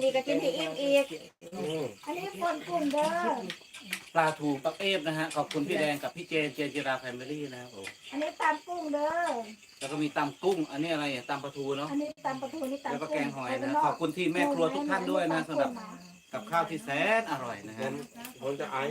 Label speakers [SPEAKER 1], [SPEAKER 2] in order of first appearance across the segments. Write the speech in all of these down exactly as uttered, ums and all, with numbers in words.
[SPEAKER 1] นี้ก็กินให้อิ่มอีก
[SPEAKER 2] อืม
[SPEAKER 1] อันนี้คนกลุ่มเด้อ
[SPEAKER 3] ปลาทูปักเอฟนะฮะขอบคุณพี่แดงกับพี่เจนเจนจิราแฟมิลี่นะครับผม
[SPEAKER 1] อันนี้ตำกุ้งเด้อ
[SPEAKER 3] แล้วก็มีตำกุ้ง อันนี้อะไรอ่ะตำปลาทูเนาะ
[SPEAKER 1] อันนี้ตำปลาทูนี่ตำ
[SPEAKER 3] แล้วก็
[SPEAKER 1] กุ้
[SPEAKER 3] แกงหอยนะขอบคุณที่แม่ครัวทุกท่านด้วยนะสำหรับกับข้าวที่แสนอร่อยนะ
[SPEAKER 2] ผ
[SPEAKER 3] ฮะ
[SPEAKER 2] มผมจะไอ้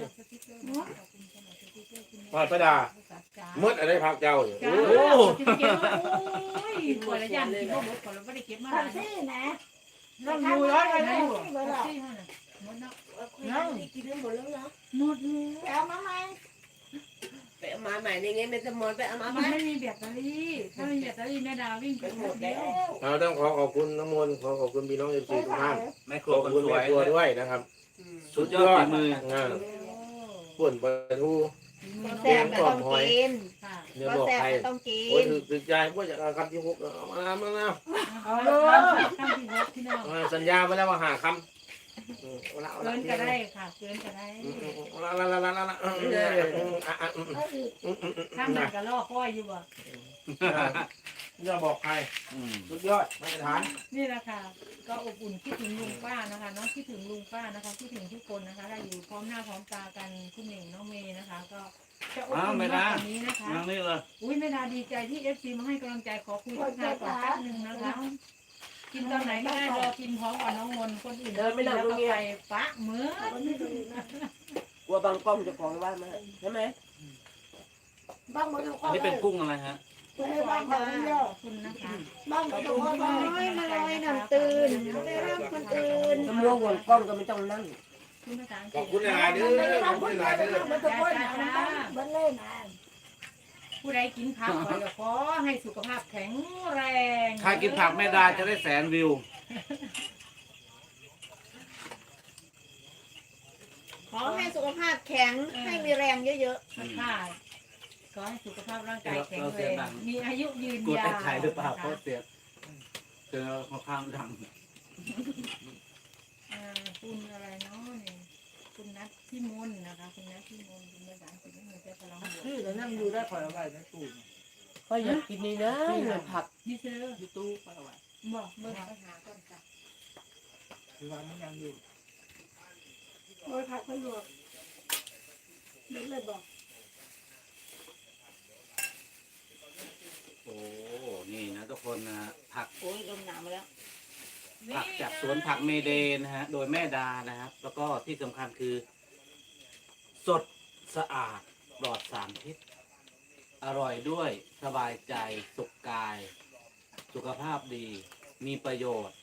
[SPEAKER 2] พอดประดามืดอะไรพักเจ้าเนี่ย
[SPEAKER 4] จ้า
[SPEAKER 2] โอ้
[SPEAKER 4] จะเก็บมาโอ้ยปวดละยันที่พ่อบอกปวดแล้วไม่ได้เก็บมา
[SPEAKER 1] ทำซี่นะ
[SPEAKER 4] น้องอยู่ร้อยอะไร
[SPEAKER 1] ทำ
[SPEAKER 4] อยู่
[SPEAKER 1] ซี่เบอร์หรอ
[SPEAKER 4] หมดเนาะ
[SPEAKER 5] น้องกินได้หมดแล้วเหรอ
[SPEAKER 4] หมดเลย
[SPEAKER 1] เอามาไหม
[SPEAKER 5] ไปเอามาใหม่ในเงี้ยเป็นสมอนไปเอามา
[SPEAKER 4] มัน
[SPEAKER 5] ไหม
[SPEAKER 4] ไม่มีแบตเตอรี่ถ้ามีแบตเตอรี่แม่ดาวิ่งไปหมดแล้ว
[SPEAKER 2] เราต้องขอขอบคุณน้ำมนต์ขอขอบคุณพี่น้องเอฟซีทุกท่าน
[SPEAKER 3] แม่ค
[SPEAKER 2] ข
[SPEAKER 3] รัว
[SPEAKER 2] อบ
[SPEAKER 3] คน
[SPEAKER 2] คุณ
[SPEAKER 3] ส
[SPEAKER 2] แม่
[SPEAKER 3] วย
[SPEAKER 2] ครัวด้วยนะครับ
[SPEAKER 3] สุดยอดฝีมือ
[SPEAKER 2] อ่าป่นปลาทู
[SPEAKER 1] แซ่บก็ต้องกิน
[SPEAKER 4] ค่ะ
[SPEAKER 2] เนื้อ
[SPEAKER 1] ก็
[SPEAKER 2] บอก
[SPEAKER 1] แซ่บ
[SPEAKER 2] ใคร
[SPEAKER 1] ก็ต้องกิ
[SPEAKER 2] โอ้ย
[SPEAKER 1] น
[SPEAKER 2] ถึกถึกใจพวกจากคำที่หกเอามาแล้วมาแล้ว
[SPEAKER 4] เอาเลยข้ามที่รถที่น้อง
[SPEAKER 2] อ่าสัญญาไปแล้วว่าหาคำอืมเอาละเอา
[SPEAKER 4] เกิ
[SPEAKER 2] ละ
[SPEAKER 4] นก็ได้ค่ะเกินก็ได้
[SPEAKER 2] อืมอืมเอาละละละละละละอืมอืมอ่ะอ่ะอืม
[SPEAKER 1] เอาอีก
[SPEAKER 2] อืมอืมอืม
[SPEAKER 4] ข้ามหนักก็ล่อค่อยอยู่บ่
[SPEAKER 2] อย่าบอกใคร
[SPEAKER 3] อืม
[SPEAKER 2] สุดยอดมาตรฐาน
[SPEAKER 4] นี่แหละค่ะก็อบอุ่นคิดถึงลุงป้านะคะน้องคิดถึงลุงป้านะคะคิดถึงทุกคนนะคะได้อยู่พร้อมหน้าพร้อมตากันคุณหนึ่งน้องเมย์นะคะ ก็จะอบอุ่นมากกว่านี้นะคะ
[SPEAKER 3] นั่งนี่เลย
[SPEAKER 4] อุ้ยไม่นาดีใจที่เอฟซีมาให้กำลังใจขอคุยทักทายก่อนแป๊บนึงนะคะ กินตอนไหนก็ได้รอกินพร้อมกับน้องมนต์คนอื่นแล้วก็ไปปะเหมือน
[SPEAKER 5] กลัวบางกล้องจะของบ้านมาใช่ไหม
[SPEAKER 1] บ้างหมดทุกค
[SPEAKER 3] อัน
[SPEAKER 1] น
[SPEAKER 3] นี้เป็นกุ้งอะไรฮะ
[SPEAKER 1] คุณให้บ้างเขาเดียว
[SPEAKER 4] ขอบคุณนะคะ
[SPEAKER 1] บ้างหมดทุกคนน้อยมาลอยน้ำตื่นไม่รับคนอื่น
[SPEAKER 5] ตำรวจหัวกล้องก็ไม่ต้องนั่ง
[SPEAKER 4] คุณภาษาอังก
[SPEAKER 2] ข
[SPEAKER 4] ฤ
[SPEAKER 2] อ
[SPEAKER 4] ษ
[SPEAKER 2] บคุณหลายๆเด้อขอบคุณหลายๆเด้อ
[SPEAKER 1] มันทุกคนนะมันเล่นนะ
[SPEAKER 4] ผู้ใดกินผักขอขอให้สุขภาพแข็งแรง
[SPEAKER 3] ใครกินผักแม่ดาจะได้แสนวิว
[SPEAKER 1] ขอให้สุขภาพแข็งให้มีแรงเยอะ
[SPEAKER 4] ค่ะขอให้สุขภาพร่างกายแข็งแรงมีอายุยืน
[SPEAKER 3] กลัวย
[SPEAKER 4] า
[SPEAKER 3] แต่
[SPEAKER 4] ว
[SPEAKER 3] ไข่หรือเปล่าเพราะเสียเจอค่อนข้างดัง
[SPEAKER 4] อ่าคุณอะไรเนาะเนี่ยคุณนัทที่มนนะคะคุณนัทที่มนคุณภาษาอังกฤษไม่เหมือนจะพลังบวก
[SPEAKER 5] ชื่อแล้วนั่งดูได้คอยเอาไว้ในตู้ก็อยากกินนี่นะเงินผัก
[SPEAKER 4] ยี่ซื้อ
[SPEAKER 5] ที่ตู้คอยเอาไว้
[SPEAKER 4] บอกเบอร์ไปหาก่อนจ้ะ
[SPEAKER 5] คือว่ามันยังอยู่
[SPEAKER 1] ๆโอ้ยพักไม่หลวกนี่เลยบอก
[SPEAKER 3] โอ้ นี่นะทุกคนนะผัก
[SPEAKER 1] โอ้ยลมหนาวมาแล้ว
[SPEAKER 3] ผักจากสวนผักเมเดนนะฮะ โดยแม่ดานะครับ แล้วก็ที่สำคัญคือ สดสะอาดปลอดสารพิษ อร่อยด้วยสบายใจสุขกาย สุขภาพดี มีประโยชน์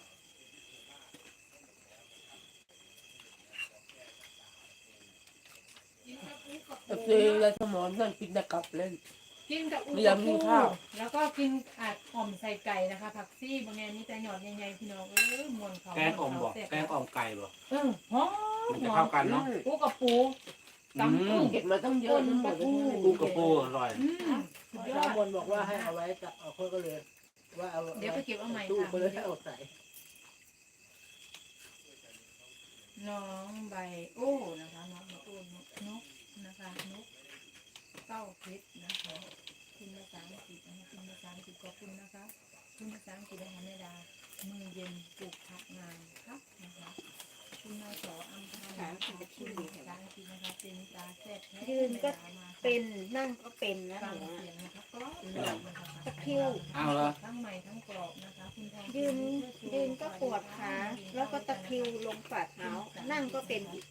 [SPEAKER 5] แต่ซื้อแล้วสมอนนั่งกินแต่กลับเล่น
[SPEAKER 4] กินกับอุ
[SPEAKER 5] เรียงกินข้าว
[SPEAKER 4] แล้วก็กินอาดอ่อมใส่ไก่นะคะ ผักซี่บางแงนี่แต่หยอดใหญ่ๆพี่น้องเออมวนเขา
[SPEAKER 3] แกงอ่อมบอกแกงอ่อมไก่บอก
[SPEAKER 4] เออหอม
[SPEAKER 3] มัน
[SPEAKER 4] ห
[SPEAKER 3] จะ
[SPEAKER 4] อ
[SPEAKER 3] เข้าม กันเนาะ
[SPEAKER 4] ปูกับปูตำกุ้ง
[SPEAKER 5] เก็บมาตั้งเยอะทั้งหมดเลย
[SPEAKER 3] ปูกับปูอร่อย
[SPEAKER 4] อืมสุดยอ
[SPEAKER 5] สา
[SPEAKER 4] ด
[SPEAKER 5] มบนบอกว่าให้เอาไว้กับเอาคนก็เลยว่าเอา
[SPEAKER 4] เดี๋ยวไปเก็บเอาใหม่
[SPEAKER 5] ตู้
[SPEAKER 4] ค่ะ
[SPEAKER 5] ไปเลยให้เอาใส่
[SPEAKER 4] น้องใบโอ้นะคะน้องใบโอ้นกนกนะคะนกเต้าเพชรนะคะคุณภาษาอังกฤษนะคะคุณภาษาอังกฤษขอบคุณนะคะคุณภาษาอังกฤษนะคะแม่ดามือเย็นปลูกผักงานครับนะคะคุณนสอัมพาคุณภาษาอังกฤษนะคะเป็นตาแซ่บ
[SPEAKER 1] ยืนก็เป็นนั่งก็เป็นนะ
[SPEAKER 4] ฟัง
[SPEAKER 1] หนู
[SPEAKER 4] เสียงนะคะก็
[SPEAKER 1] ตะคริว
[SPEAKER 3] เอาละ
[SPEAKER 4] ทั้งใหม่ทั้งกรอบนะคะคุณทอง
[SPEAKER 1] ยืนยืนก็ปวดขาแล้วก็ตะคริวลงฝ่าเท้านั่งก็เป็นอีก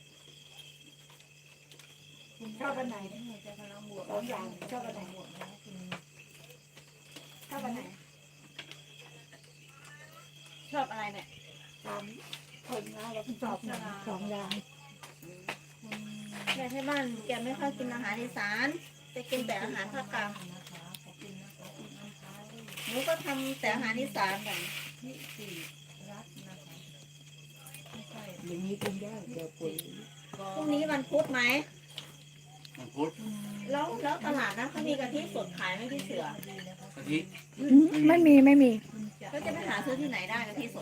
[SPEAKER 1] ชอบอันไหน
[SPEAKER 4] จะพลังบวก
[SPEAKER 1] สองอย่างชอบอันไหน
[SPEAKER 4] บวกนะคะคุณ
[SPEAKER 1] ชอบอันไหนชอบอะไรเนี่ยสามคนนะเราชอบสองอย่างแม่ที่บ้านแกไม่ค่อยกินอาหารอีสานจะกินแต่อาหารภาคกลาง
[SPEAKER 4] นะคะขอบคุณนะคะคุณอัมพา
[SPEAKER 1] หนูก็ทำแต่อาหารอีสานกัน
[SPEAKER 4] ที่สี่รัตน์นะคะไม่ใช่
[SPEAKER 5] อย่างนี้กินได้เดี๋ยวปุ๋ย
[SPEAKER 1] พรุ่งนี้วันพุธไหม
[SPEAKER 3] มังคุด
[SPEAKER 1] แล้วแล้วตลาดนะเขามีกะทิสดขายไหมพี่เสือก
[SPEAKER 3] ะทิ
[SPEAKER 6] ไม่มีไม่มี
[SPEAKER 1] แล้วจะไปหาซื้อที่ไหนได้กะทิสด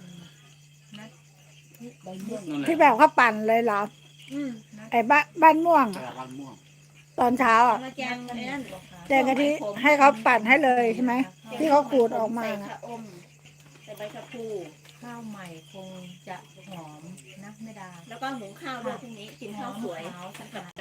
[SPEAKER 5] ใบเมี่ยง
[SPEAKER 3] นั่นแหละ
[SPEAKER 6] ที่แบบเขาปั่นเลยเหรอ
[SPEAKER 1] อืม
[SPEAKER 6] ไอ้บ้านบ้านม่วง
[SPEAKER 3] ก
[SPEAKER 6] อะ
[SPEAKER 3] ระวันม่วง
[SPEAKER 6] ตอนเช้าอ่ะ
[SPEAKER 1] มาแจงไอ้นั่น
[SPEAKER 6] แจงกะทิให้เขาปั่นให้เลยใช่ไหมที่เขาขูดออกมา
[SPEAKER 1] ใส่
[SPEAKER 6] นะ
[SPEAKER 1] ชะอมใส่ใบชะพู
[SPEAKER 4] ขข้าวใหม่คงจะหอมนะแม่ดา
[SPEAKER 1] แล้วก็หุงข้าวด้วยพรุ่งนี้กินข้าวสวย
[SPEAKER 4] ขาวสะอาด